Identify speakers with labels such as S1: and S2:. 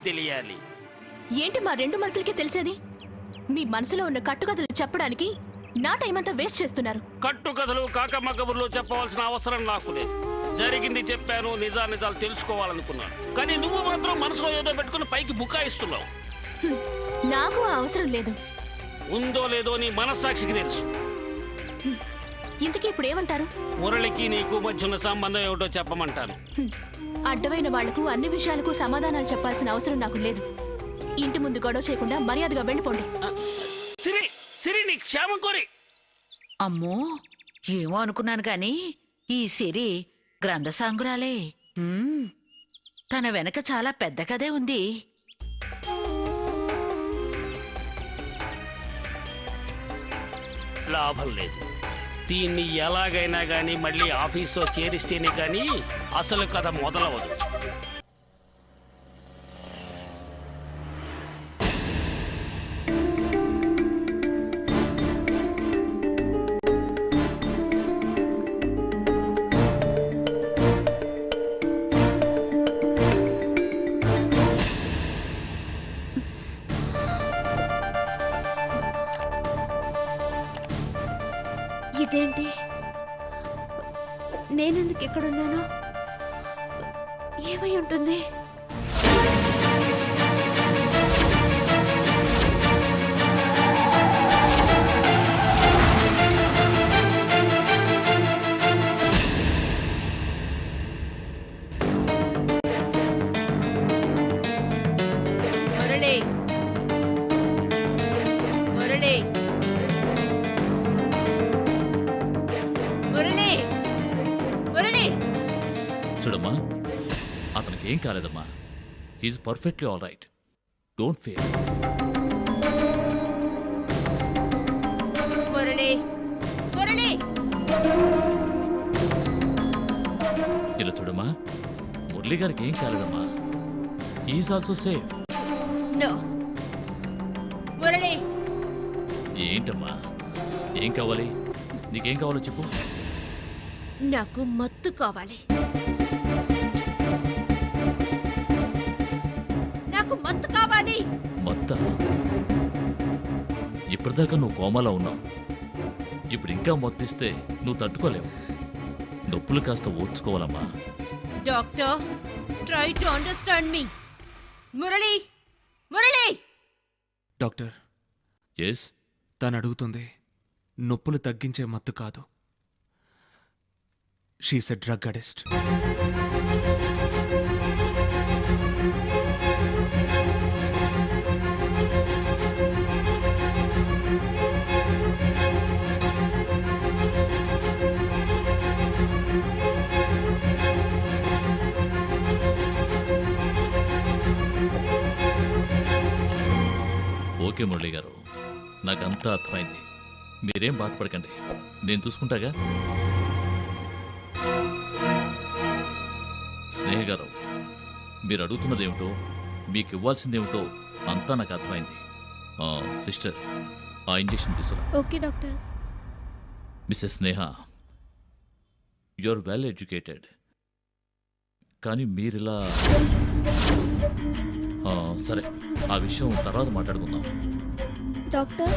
S1: తెలియాలి.
S2: ఏంటి మా రెండు మనసులకి తెలిసేది? మీ మనసులో ఉన్న కట్టుకథలు చెప్పడానికి నా టైం అంతా వేస్ట్ చేస్తున్నారు.
S1: కట్టుకథలు కాకమ్మ కబుర్లు చెప్పవలసిన అవసరం నాకు లేదు. జరిగింది చెప్పాను, నిజాలు తెలుసుకోవాలనుకున్నాను. కానీ నువ్వు మాత్రం మనసులో ఏదో పెట్టుకుని పైకి బుకాయిస్తున్నావు.
S2: నాకు ఆ అవసరం లేదు.
S1: ఉందో లేదో నీ మనస్సాక్షికి తెలుసు.
S2: ఇంతకీ ఇప్పుడు ఏమంటారు?
S1: మురళికి నీకు మధ్య ఉన్న సంబంధం ఏమిటో చెప్పమంటాను.
S2: అడ్డమైన వాళ్లకు అన్ని విషయాలకు సమాధానాలు చెప్పాల్సిన అవసరం నాకు లేదు. ఇంటి ముందు గొడవ చేయకుండా మర్యాదగా వెళ్ళిపోండి.
S1: సిరి, సిరి నీ క్షేమం కోరి.
S3: అమ్మో, ఏమో అనుకున్నాను గాని ఈ సిరి గ్రంథసాంగురాలే. తన వెనక చాలా పెద్ద కథే ఉంది.
S1: లాభం లేదు. దీన్ని ఎలాగైనా గానీ మళ్ళీ ఆఫీస్లో చేరిస్తేనే కానీ అసలు కథ మొదలవదు.
S4: ఇదేంటి, నేనెందుకు ఇక్కడున్నాను? ఏమై ఉంటుంది?
S3: మురళి, మురళి, మురళి, మురళి.
S5: చూడమ్మా, అతనికి ఏం కాలేదమ్మా. He's perfectly all right. Don't fear.
S3: Murali, Murali.
S5: ఇలా చూడమ్మా, మురళి గారికి ఏం కాలేదమ్మా. He's also safe.
S3: No Murali.
S5: ఏంటమ్మా, ఏం కావాలి? నీకేం కావాలో చెప్పు.
S4: నాకు మత్తు కావాలి.
S3: నాకు మత్తు కావాలి.
S5: మొత్తం ఇప్పటిదాకా నువ్వు కోమాలో ఉన్నావు. ఇప్పుడు ఇంకా మొత్తిస్తే నువ్వు తట్టుకోలేవు. నొప్పులు కాస్త ఓర్చుకోవాలమ్మా.
S3: Doctor, try to understand me. Murali, Murali.
S6: Doctor,
S5: yes.
S6: తను అడుగుతుంది నొప్పులు తగ్గించే మత్తు కాదు. She's a drug addict.
S5: Okay Murali garu, నాకంతా అర్థమైంది. మీరేం బాధపడకండి, నేను చూసుకుంటాగా. స్నేహ గారు, మీరు అడుగుతున్నదేమిటో, మీకు ఇవ్వాల్సిందేమిటో అంతా నాకు అర్థమైంది. సిస్టర్, ఆ ఇంజెక్షన్ తీసుకురా.
S4: Okay doctor.
S5: Mrs Sneha, you are well educated. కానీ మీరిలా సరే, ఆ విషయం తర్వాత మాట్లాడుకుందాం.
S4: డాక్టర్,